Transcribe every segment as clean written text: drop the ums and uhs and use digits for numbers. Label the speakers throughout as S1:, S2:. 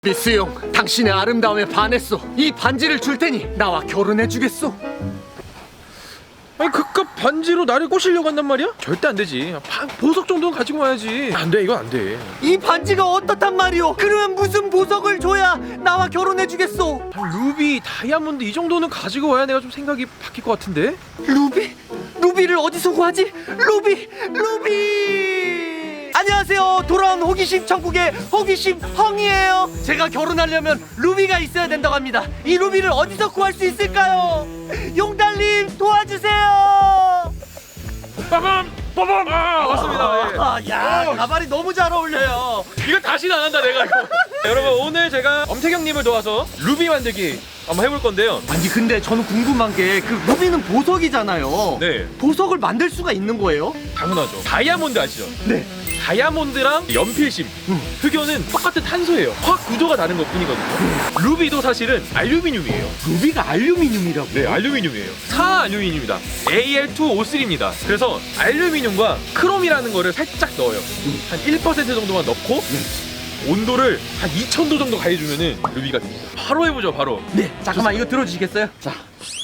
S1: 미스용, 당신의 아름다움에 반했소. 이 반지를 줄 테니 나와 결혼해 주겠소.
S2: 아니 그깟 반지로 나를 꼬시려고 한단 말이야? 절대 안 되지. 보석 정도는 가지고 와야지. 안 돼, 이건 안 돼.
S1: 이 반지가 어떻단 말이오? 그러면 무슨 보석을 줘야 나와 결혼해 주겠소?
S2: 루비, 다이아몬드 이 정도는 가지고 와야 내가 좀 생각이 바뀔 것 같은데?
S1: 루비? 루비를 어디서 구하지? 루비! 안녕하세요. 돌아온 호기심 천국의 호기심 헝이에요. 제가 결혼하려면 루비가 있어야 된다고 합니다. 이 루비를 어디서 구할 수 있을까요? 용달님 도와주세요.
S2: 빠밤! 빠밤! 아, 맞습니다. 예.
S1: 야, 가발이 너무 잘 어울려요.
S2: 이거 다시는 안 한다, 내가 이거. 여러분, 오늘 제가 엄태경님을 도와서 루비 만들기 한번 해볼 건데요.
S1: 아니 근데 저는 궁금한 게 그 루비는 보석이잖아요.
S2: 네.
S1: 보석을 만들 수가 있는 거예요?
S2: 당연하죠. 다이아몬드 아시죠?
S1: 네.
S2: 다이아몬드랑 연필심, 흑연은 똑같은 탄소예요. 화학 구조가 다른 것 뿐이거든요. 루비도 사실은 알루미늄이에요.
S1: 루비가 알루미늄이라고?
S2: 네, 알루미늄이에요. 사알루미늄이다. Al2O3입니다. 그래서 알루미늄과 크롬이라는 거를 살짝 넣어요. 한 1% 정도만 넣고 온도를 한 2000도 정도 가해주면은 루비가 됩니다. 바로 해보죠, 바로.
S1: 네. 잠깐만 이거 들어주시겠어요? 자,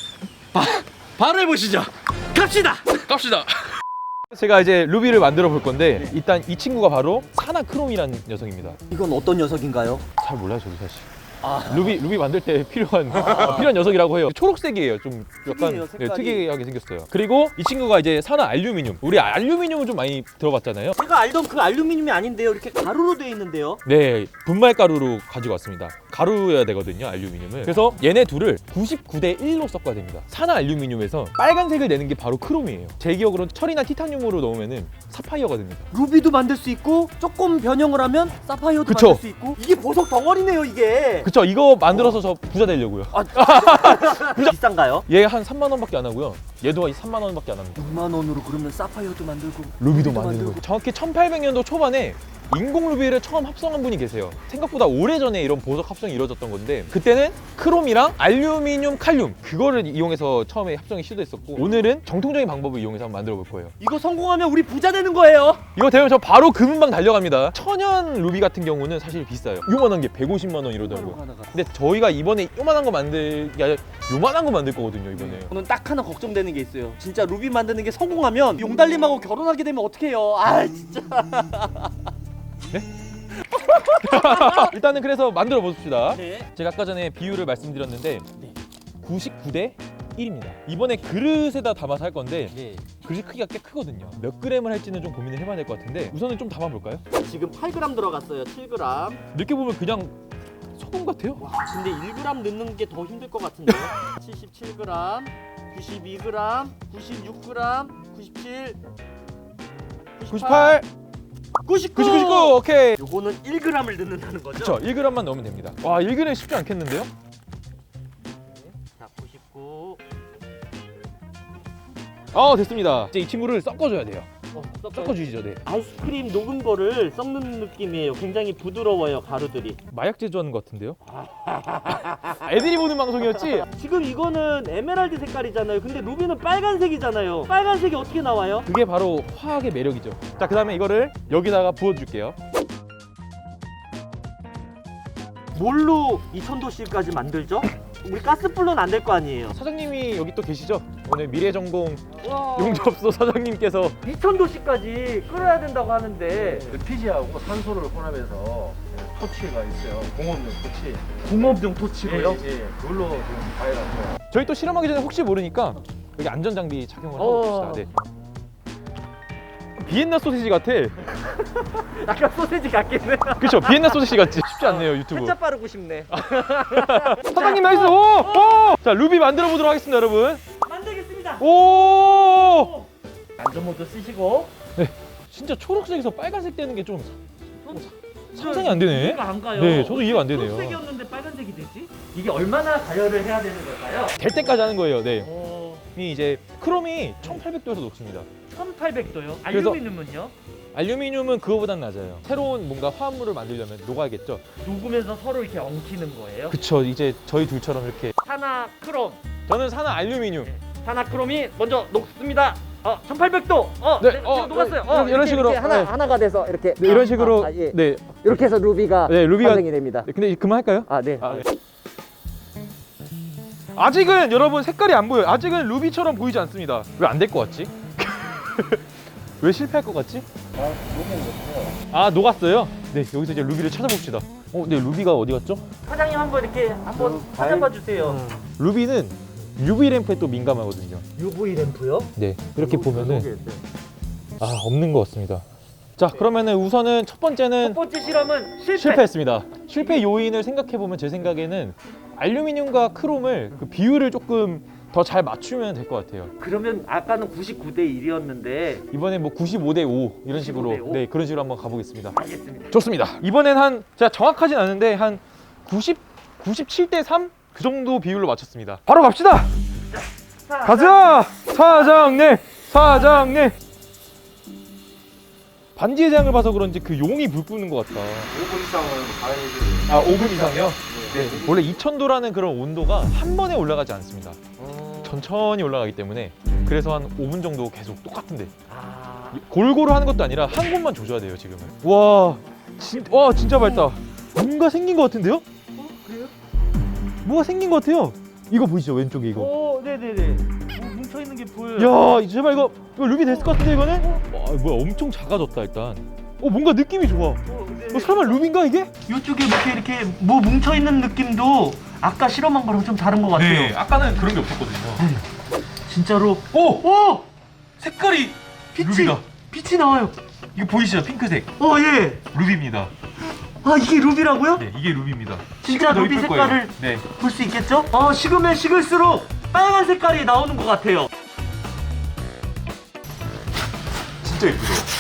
S1: 바로 해보시죠. 갑시다.
S2: 갑시다. 제가 이제 루비를 만들어 볼 건데 일단 이 친구가 바로 사나크롬이라는 녀석입니다.
S1: 이건 어떤 녀석인가요?
S2: 잘 몰라요, 저도 사실. 루비 만들 때 필요한 녀석이라고 해요. 초록색이에요. 좀 약간
S1: 특이해요, 색깔이.
S2: 특이하게 생겼어요. 그리고 이 친구가 이제 산화 알루미늄. 우리 알루미늄은 좀 많이 들어봤잖아요.
S1: 제가 알던 그 알루미늄이 아닌데요. 이렇게 가루로 되어 있는데요.
S2: 네, 분말 가루로 가지고 왔습니다. 가루여야 되거든요, 알루미늄을. 그래서 얘네 둘을 99대 1로 섞어야 됩니다. 산화 알루미늄에서 빨간색을 내는 게 바로 크롬이에요. 제 기억으로는 철이나 티타늄으로 넣으면은 사파이어가 됩니다.
S1: 루비도 만들 수 있고 조금 변형을 하면 사파이어도
S2: 그쵸.
S1: 만들 수 있고. 이게 보석 덩어리네요, 이게.
S2: 그쵸, 이거 만들어서 저 부자 되려고요.
S1: 비싼가요?
S2: 얘 한 3만 원밖에 안 하고요. 얘도 한 3만 원밖에 안 합니다.
S1: 6만 원으로 그러면 사파이어도 만들고
S2: 루비도 만드는 거예요. 정확히 1800년도 초반에 인공 루비를 처음 합성한 분이 계세요. 생각보다 오래전에 이런 보석 합성이 이루어졌던 건데 그때는 크롬이랑 알루미늄, 칼륨 그거를 이용해서 처음에 합성이 시도했었고 오늘은 정통적인 방법을 이용해서 한번 만들어 볼 거예요.
S1: 이거 성공하면 우리 부자 되는 거예요.
S2: 이거 되면 저 바로 금은방 달려갑니다. 천연 루비 같은 경우는 사실 비싸요. 요만한 게 150만 원 이러더라고요. 근데 저희가 이번에 요만한 거 만들 게 아니라 요만한 거 만들 거거든요, 이번에.
S1: 저는 딱 하나 걱정되는 게 있어요. 진짜 루비 만드는 게 성공하면 용달님하고 결혼하게 되면 어떡해요. 아 진짜.
S2: 일단은 그래서 만들어 보십시다.
S1: 네.
S2: 제가 아까 전에 비율을 말씀드렸는데
S1: 네.
S2: 99대 1입니다. 이번에 그릇에다 담아서 할 건데
S1: 네.
S2: 그릇 크기가 꽤 크거든요. 몇 그램을 할지는 좀 고민을 해봐야 될 것 같은데 우선은 좀 담아볼까요?
S1: 지금 8g 들어갔어요. 7g.
S2: 이렇게 보면 그냥 소금 같아요.
S1: 와, 근데 1g 넣는 게 더 힘들 것 같은데요. 77g, 92g, 96g, 97,
S2: 98,
S1: 99.
S2: 99 오케이.
S1: 요거는 1g을 넣는다는 거죠?
S2: 그쵸, 1g만 넣으면 됩니다. 와, 1g 쉽지 않겠는데요?
S1: 자, 99.
S2: 됐습니다. 이제 이 친구를 섞어줘야 돼요. 섞어주시죠, 네.
S1: 아이스크림 녹은 거를 섞는 느낌이에요. 굉장히 부드러워요, 가루들이.
S2: 마약 제조하는 것 같은데요? 애들이 보는 방송이었지?
S1: 지금 이거는 에메랄드 색깔이잖아요. 근데 루비는 빨간색이잖아요. 빨간색이 어떻게 나와요?
S2: 그게 바로 화학의 매력이죠. 자, 그 다음에 이거를 여기다가 부어줄게요.
S1: 뭘로 2000도씨까지 만들죠? 우리 가스불로는 안 될 거 아니에요.
S2: 사장님이 여기 또 계시죠? 오늘 미래전공
S1: 와,
S2: 용접소 사장님께서
S1: 2000도씨까지 끓여야 된다고 하는데
S3: LPG하고 산소를 혼합해서 토치가 있어요. 공업용 토치.
S1: 공업용 토치로요?
S3: 예, 그걸로 지금 가해놨어요.
S2: 저희 또 실험하기 전에 혹시 모르니까 여기 안전장비 착용을 하고 봅시다. 네. 비엔나 소시지 같아.
S1: 약간 소세지 같겠네.
S2: 그쵸? 비엔나 소시지 같지? 쉽지 않네요, 유튜브.
S1: 한자 빠르고 싶네.
S2: 사장님 나이스! 오! 자, 루비 만들어 보도록 하겠습니다, 여러분.
S1: 만들겠습니다.
S2: 오!
S1: 안전모드 쓰시고.
S2: 진짜 초록색에서 빨간색 되는 게 좀 상상이 안 되네.
S1: 이해가 안 가요.
S2: 네, 저도 이해가 안 되네요.
S1: 초록색이었는데 빨간색이 되지? 이게 얼마나 가열을 해야 되는 걸까요?
S2: 될 때까지 하는 거예요, 네.
S1: 이
S2: 이 이제 크롬이 1800도에서 녹습니다.
S1: 1800도요?
S2: 그래서-
S1: 알루미늄은요?
S2: 알루미늄은 그거보단 낮아요. 새로운 뭔가 화합물을 만들려면 녹아야겠죠.
S1: 녹으면서 서로 이렇게 엉키는 거예요?
S2: 그쵸, 이제 저희 둘처럼 이렇게.
S1: 산화크롬.
S2: 저는 산화 알루미늄.
S1: 산화크롬이 먼저 녹습니다. 1800도.
S2: 네,
S1: 지금 녹았어요.
S2: 이런 식으로 네.
S4: 하나가 돼서 이렇게
S2: 네, 이런 식으로
S4: 예.
S2: 네.
S4: 이렇게 해서 루비가
S2: 네, 루비가
S4: 완성이 됩니다.
S2: 근데 그만할까요?
S4: 네.
S2: 아직은 여러분 색깔이 안 보여요. 아직은 루비처럼 보이지 않습니다. 왜 안 될 것 같지? 왜 실패할 것 같지? 녹았어요? 네, 여기서 이제 루비를 찾아봅시다. 네, 루비가 어디 갔죠?
S1: 사장님 한번 이렇게 한번 찾아봐 주세요.
S2: 루비는 UV 램프에 또 민감하거든요.
S1: UV 램프요?
S2: 네, 이렇게 보면은 없는 것 같습니다. 자, 그러면은 우선은 첫 번째는
S1: 첫 번째 실험은
S2: 실패했습니다. 실패 요인을 생각해 보면 제 생각에는 알루미늄과 크롬을 그 비율을 조금 더 잘 맞추면 될 것 같아요.
S1: 그러면 아까는 99대 1이었는데
S2: 이번에 뭐 95대 5 이런
S1: 95대
S2: 식으로
S1: 5?
S2: 네, 그런 식으로 한번 가보겠습니다.
S1: 알겠습니다.
S2: 좋습니다. 이번엔 제가 정확하진 않은데 한 97대 3 그 정도 비율로 맞췄습니다. 바로 갑시다. 가자, 사장님. 반지의 제왕을 봐서 그런지 그 용이 불 끄는 것 같다.
S3: 5분 이상은 가야지.
S2: 5분 이상이요? 네. 원래 2000도라는 그런 온도가 한 번에 올라가지 않습니다. 천천히 올라가기 때문에 그래서 한 5분 정도 계속 똑같은데 골고루 하는 것도 아니라 한 곳만 조져야 돼요 지금은. 와 진짜 밝다. 뭔가 생긴 것 같은데요?
S1: 그래요?
S2: 뭐가 생긴 것 같아요. 이거 보이시죠 왼쪽에 이거.
S1: 네네네. 뭉쳐 있는 게 보여요.
S2: 야 제발 이거 루비 됐을 것 같은데 이거는? 와 뭐야 엄청 작아졌다 일단. 뭔가 느낌이 좋아. 설마 루비인가 이게?
S1: 이쪽에 이렇게 뭐 뭉쳐 있는 느낌도 아까 실험한 거랑 좀 다른 것 같아요.
S2: 네, 아까는 그런 게 없었거든요.
S1: 진짜로.
S2: 오! 색깔이 루비다.
S1: 빛이 나와요.
S2: 이거 보이시죠? 핑크색.
S1: 예.
S2: 루비입니다.
S1: 이게 루비라고요?
S2: 네, 이게 루비입니다.
S1: 진짜
S2: 더
S1: 루비
S2: 이쁠
S1: 색깔을
S2: 거예요. 네.
S1: 볼 수 있겠죠? 식으면 식을수록 빨간 색깔이 나오는 것 같아요.
S2: 진짜 예쁘죠?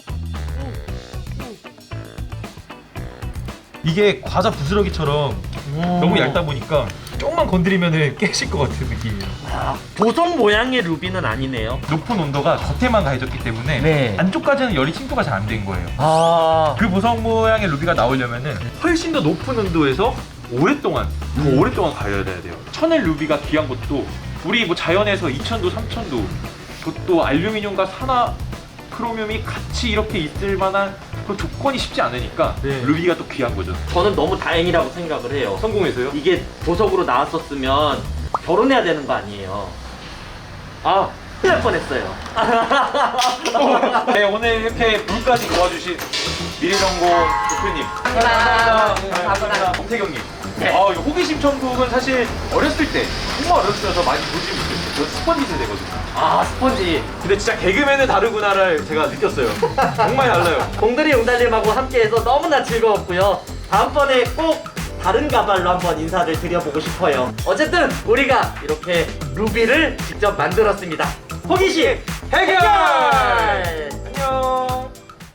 S2: 이게 과자 부스러기처럼 너무 얇다 보니까 조금만 건드리면 깨질 것 같은 느낌이에요.
S1: 보석 모양의 루비는 아니네요.
S2: 높은 온도가 겉에만 가해졌기 때문에
S1: 네.
S2: 안쪽까지는 열이 침투가 잘 안 된 거예요.
S1: 아.
S2: 그 보석 모양의 루비가 나오려면은 훨씬 더 높은 온도에서 오랫동안 더 오랫동안 가려야 돼요. 천일 루비가 귀한 것도 우리 뭐 자연에서 2000도, 3000도 또 알루미늄과 산화 크로뮴이 같이 이렇게 있을 만한 그 조건이 쉽지 않으니까
S1: 네.
S2: 루비가 또 귀한 거죠.
S1: 저는 너무 다행이라고 생각을 해요.
S2: 성공해서요?
S1: 이게 보석으로 나왔었으면 결혼해야 되는 거 아니에요. 큰일 날 뻔했어요.
S2: 네, 오늘 이렇게 물까지 도와주신 미래정보 대표님 감사합니다. 홍태경님. 이거 호기심 천국은 사실 어렸을 때 정말 어렸을 때 많이 보지 못했어요. 저 스펀지 세대거든요.
S1: 스펀지.
S2: 근데 진짜 개그맨은 다르구나를 제가 느꼈어요. 정말 달라요.
S1: 공들이 용달님하고 함께해서 너무나 즐거웠고요. 다음번에 꼭 다른 가발로 한번 인사를 드려보고 싶어요. 어쨌든 우리가 이렇게 루비를 직접 만들었습니다. 호기심
S2: 해결!